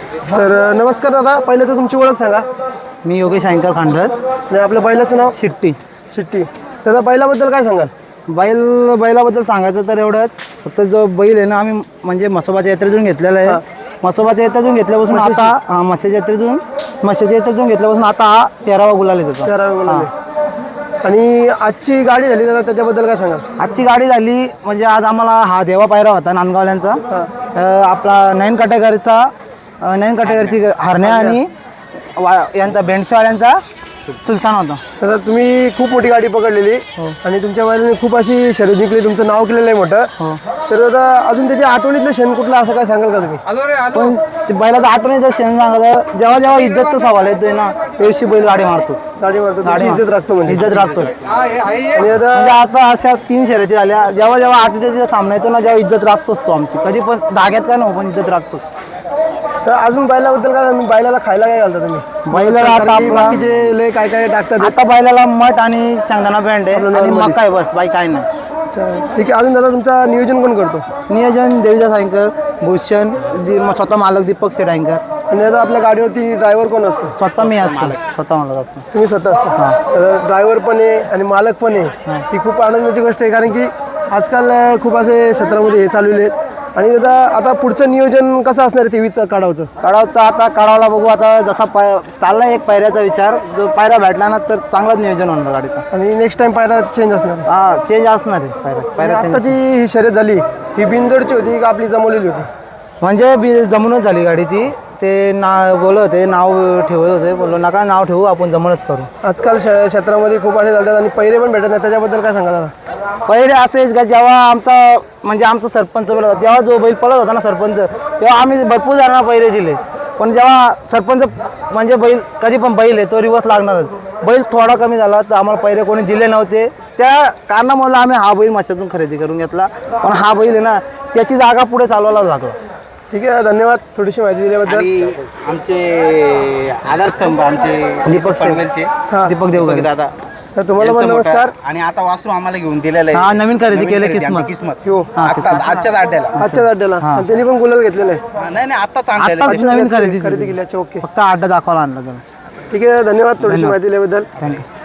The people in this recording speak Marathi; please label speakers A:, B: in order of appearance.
A: तर नमस्कार दादा, पहिले तर तुमची ओळख सांगा.
B: मी योगेश अँकर खांडस.
A: आणि आपल्या बैलाचं नाव?
B: शिट्टी.
A: शिट्टी. त्याचा बैलाबद्दल काय सांगाल?
B: बैलाबद्दल सांगायचं तर एवढंच, फक्त जो बैल आहे ना, आम्ही म्हणजे म्हसोबाच्या यात्रेतून घेतलेला आहे. म्हसोबाच्या यात्रेतून घेतल्यापासून आता म्हशीच्या यात्रेतून घेतल्यापासून आता हा 13वा गुलाल आहे त्याचा.
A: 13वा गुलाल आहे. आणि आजची गाडी झाली दादा, त्याच्याबद्दल काय सांगाल?
B: आजची गाडी झाली म्हणजे आज आम्हाला हा देवा पायरा होता नांदगावल्यांचा. आपला नयन कटेकरची हरण्या आणि यांचा बेंडशेवाल्यांचा सुलतान होता.
A: दादा तुम्ही खूप मोठी गाडी पकडलेली आणि तुमच्या बैलाने खूप अशी शर्यत जिंकली, तुमचं नाव केलेलं आहे मोठं. तर दादा अजून त्याच्या आठवणीतलं क्षण कुठला असं काय सांगाल का तुम्ही?
B: पण बैलाचा आठवणीचा क्षण सांगायचं, जेव्हा जेव्हा इज्जतचा सवाल येतोय ना, त्या दिवशी बैल गाडी मारतो.
A: तुमची इज्जत राखतो म्हणजे.
B: इज्जत राखतो.
A: आणि दादा
B: म्हणजे आता अशा 3 शर्यती झाल्या, जेव्हा जेव्हा आठवड्याचा सामना येतो ना, जेव्हा इज्जत राखतोच तो आमची. कधी पण धाग्यात काय नको, पण इज्जत राखतो.
A: तर अजून बैलाबद्दल काय, बैलाला खायला काय घालता तुम्ही?
B: बैलाला आता आपला
A: जे लय काय काय टाकतात.
B: आता बैलाला मठ आणि शेंगदाणा बँड आहे आणि मका आहे, बस बाई काय नाही.
A: ठीक आहे. अजून दादा तुमचा नियोजन कोण करतो?
B: नियोजन देवीदास अँकर, भूषण, स्वतः मालक दीपक शेठ अँकर.
A: आणि दादा आपल्या गाडीवरती ड्रायव्हर कोण असतो?
B: स्वतः मी असतो, स्वतः मालक असतो.
A: तुम्ही स्वतः असता? ड्रायव्हर पण आहे आणि मालक पण आहे, ही खूप आनंदाची गोष्ट आहे. कारण की आजकाल खूप असे क्षेत्रामध्ये हे चालवले आहेत. आणि दादा आता पुढचं नियोजन कसं असणार आहे तेवीचं काढावचं?
B: आता काढावला बघू. आता जसा चालला एक पायऱ्याचा विचार, जो पायरा भेटला ना तर चांगलाच नियोजन होणार गाडीचा.
A: आणि नेक्स्ट टाइम पायरा चेंज असणार?
B: चेंज असणार आहे पायरा.
A: आताची ही शर्यत झाली ही बिनजोडची होती का आपली जमवलेली होती?
B: म्हणजे जमूनच झाली गाडी ती. ते बोलत होते, नाव ठेवत होते, बोललो नका नाव ठेवू, आपण जमूनच करू.
A: आजकाल क्षेत्रामध्ये खूप असे चालतात आणि पैरे पण भेटत नाही, त्याच्याबद्दल काय सांगा दादा?
B: पहिले असेच का, जेव्हा आमचा सरपंच जेव्हा जो बैल पळत होता ना सरपंच, तेव्हा आम्ही भरपूर जणांना पैरे दिले. पण जेव्हा सरपंच म्हणजे बैल कधी पण बैल आहे तो रिवर्स लागणारच. बैल थोडा कमी झाला तर आम्हाला पैरे कोणी दिले नव्हते. त्या कारणामुळे आम्ही हा बैल मशातून खरेदी करून घेतला. पण हा बैल आहे ना, त्याची जागा पुढे चालवायला लागला.
A: ठीक आहे, धन्यवाद थोडीशी माहिती दिल्याबद्दल.
C: आमचे आधारस्तंभ आमचे
B: दीपक देवगड
C: दादा,
A: तर तुम्हाला पण नमस्कार.
C: आणि आता वासरू आम्हाला घेऊन दिलेलं आहे.
B: हा नवीन खरेदी केलं किस्मत.
A: हो,
C: आजच्याच अड्ड्याला.
A: आणि त्यांनी पण गुलाल घेतलेला आहे.
C: नाही आत्ताच आणलेलं
B: आत्ताच नवीन खरेदी
A: केली. अच्छा, ओके.
B: फक्त अड्डा दाखवायला आणला त्याला.
A: ठीक आहे, धन्यवाद थोडीशी माहिती दिल्याबद्दल.
B: थँक्यू.